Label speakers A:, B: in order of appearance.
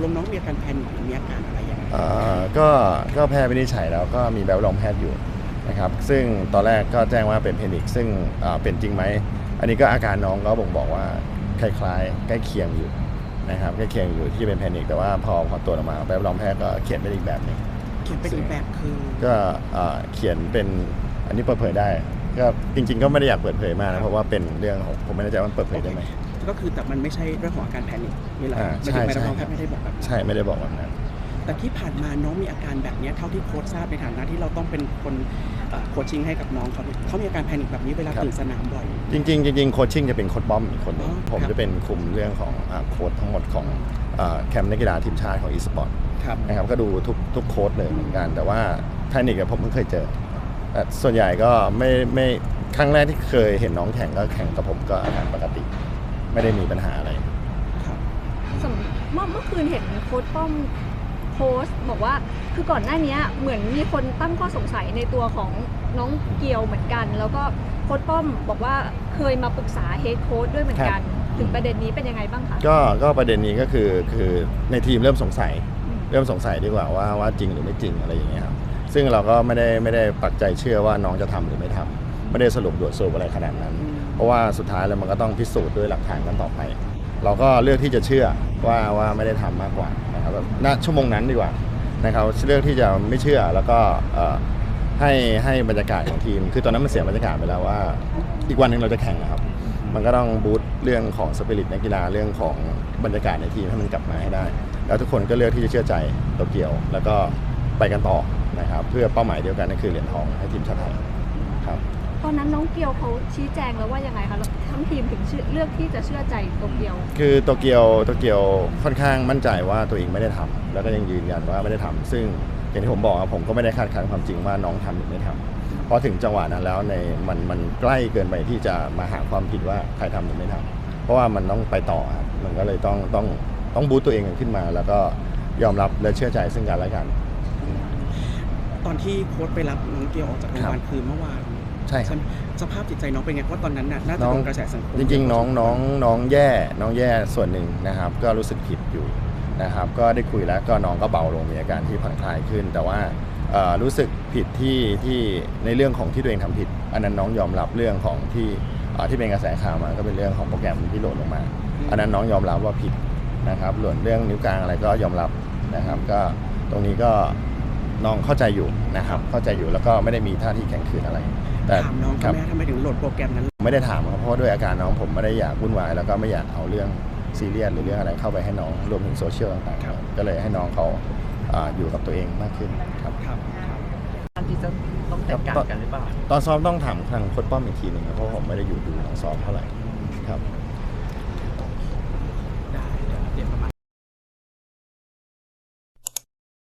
A: น้องมีอาการแพนิคหรือมีอาการอะไรอย่างเงี้ย
B: ก็แพทย์วินิจฉัยแล้วก็มีแบบรองแพทย์อยู่นะครับซึ่งตอนแรกก็แจ้งว่าเป็นแพนิคซึ่งเป็นจริงไหมอันนี้ก็อาการน้องก็บ่งบอกว่าคล้ายๆใกล้เคียงอยู่นะครับใกล้เคียงอยู่ที่เป็นแพนิคแต่ว่าพอตรวจออกมาแบบรองแพทย์ก็เขียนเป็นอีกแบบนึง
A: เขียนเป็นอีกแบบคือ
B: ก็เขียนเป็นอันนี้เปิดเผยได้ก็จริงๆก็ไม่ได้อยากเปิดเผยมากนะเพราะว่าเป็นเรื่องของผมไม่แน่ใจว่าเปิดเผยได้ไหม
A: ก็คือแต่มันไม่ใช่เรื่องของอาการแพนิคนี่แหละ
B: ใช่
A: ไม่ได้บอกแบบ
B: ใช่ไม่ได้บอกแบบนั้น
A: แต่ที่ผ่านมาน้องมีอาการแบบนี้เท่าที่โค้ชทราบในฐานะที่เราต้องเป็นคนโคชชิ่งให้กับน้องเขามีอาการแพนิคแบบนี้เวลาตื่นสนามบ่อย
B: จริงโคชชิ่งจะเป็นโค้ชบอมอีกคนนึงผมจะเป็นคุมเรื่องของโค้ชทั้งหมดของแคมป์นักกีฬาทีมชาติของอีสปอร์ตนะครับก็ดูทุกโค้ชเลยเหมือนกันแต่ว่าแพนิคผมเพิ่งเคยเจอแต่ส่วนใหญ่ก็ไม่ครั้งแรกที่เคยเห็นน้องแข่งก็แข่งกับผมก็อาการปกติไม่ได้มีปัญหาอะไร
C: เมื่อคืนเห็นโค้ชป้อมโพสต์บอกว่าคือก่อนหน้านี้เหมือนมีคนตั้งข้อสงสัยในตัวของน้องเกียวเหมือนกันแล้วก็โค้ชป้อมบอกว่าเคยมาปรึกษาเฮดโค้ชด้วยเหมือนกันถึงประเด็นนี้เป็นยังไงบ้างคะ
B: ก็ประเด็นนี้ก็คือในทีมเริ่มสงสัยดีกว่าว่าจริงหรือไม่จริงอะไรอย่างเงี้ยครับซึ่งเราก็ไม่ได้ปักใจเชื่อว่าน้องจะทำหรือไม่ทำไม่ได้สรุปอะไรขนาดนั้นเพราะว่าสุดท้ายแล้วมันก็ต้องพิสูจน์ด้วยหลักฐานกันต่อไปเราก็เลือกที่จะเชื่อว่าไม่ได้ทำมากกว่านะครับแบบณชั่วโมงนั้นดีกว่านะครับเลือกที่จะไม่เชื่อแล้วก็ให้บรรยากาศของทีมคือตอนนั้นมันเสียบรรยากาศไปแล้วว่าอีกวันหนึ่งเราจะแข่งนะครับมันก็ต้องบูสต์เรื่องของสปิริตนักกีฬาเรื่องของบรรยากาศในทีมให้มันกลับมาให้ได้แล้วทุกคนก็เลือกที่จะเชื่อใจโตเกียวแล้วก็ไปกันต่อนะครับเพื่อเป้าหมายเดียวกันนั่นคือเหรียญทองให้ทีมชาติไทยครับ
C: ตอนนั้นน้องเกียวเขาชี้แจงแล้วว่ายังไงคะทั้งทีมถึงเลือกที่จะเชื่อใจโตเกียว
B: คือโตเกียวค่อนข้างมั่นใจว่าตัวเองไม่ได้ทำแล้วก็ยังยืนยันว่าไม่ได้ทำซึ่งอย่างที่ผมบอกผมก็ไม่ได้คาดคั้นความจริงว่าน้องทำหรือไม่ทำเพราะถึงจังหวะนั้นแล้วมันใกล้เกินไปที่จะมาหาความผิดว่าใครทำหรือไม่ทำเพราะว่ามันต้องไปต่อครับมันก็เลยต้องบูตตัวเองขึ้นมาแล้วก็ยอมรับและเชื่อใจซึ่งกันและกัน
A: ตอนที่โค้ชไปรับน้องเกียวออกจากโรงพยาบาลคือเมื่อวาน
B: ใช่ครับ
A: สภาพจิตใจน้องเป็นไงเพราะตอนนั้นน่าจะโดนกระแสสังคม
B: จริงๆน้องแย่ส่วนหนึ่งนะครับก็รู้สึกผิดอยู่นะครับก็ได้คุยแล้วก็น้องก็เบาลงมีอาการที่ผ่อนคลายขึ้นแต่ว่ารู้สึกผิดที่ในเรื่องของที่ตัวเองทำผิดอันนั้นน้องยอมรับเรื่องของที่เป็นกระแสข่าวมาก็เป็นเรื่องของโปรแกรมที่โหลดลงมาอันนั้นน้องยอมรับว่าผิดนะครับหล่นเรื่องนิ้วกลางอะไรก็ยอมรับนะครับก็ตรงนี้ก็น้องเข้าใจอยู่นะครับเข้าใจอยู่แล้วก็ไม่ได้มีท่าทีแข็งขืนอะไร
A: แต่ถามน้องครับทำไมถึงโหลดโปรแกรมนั้น
B: ไม่ได้ถามครับเพราะด้วยอาการน้องผมไม่ได้อยากวุ่นวายแล้วก็ไม่อยากเอาเรื่องซีเรียสหรือเรื่องอะไรเข้าไปให้น้องรวมถึงโซเชียลต่างๆก็เลยให้น้องเขาอยู่กับตัวเองมากขึ้นครับ
D: การที่จะต้องจัดการกันหรือเปล่า
B: ตอนซ้อมต้องถามทางโค้ชป้อมอีกทีหนึ่งเพราะผมไม่ได้อยู่ดูทางซ้อมเท่าไหร่ครับ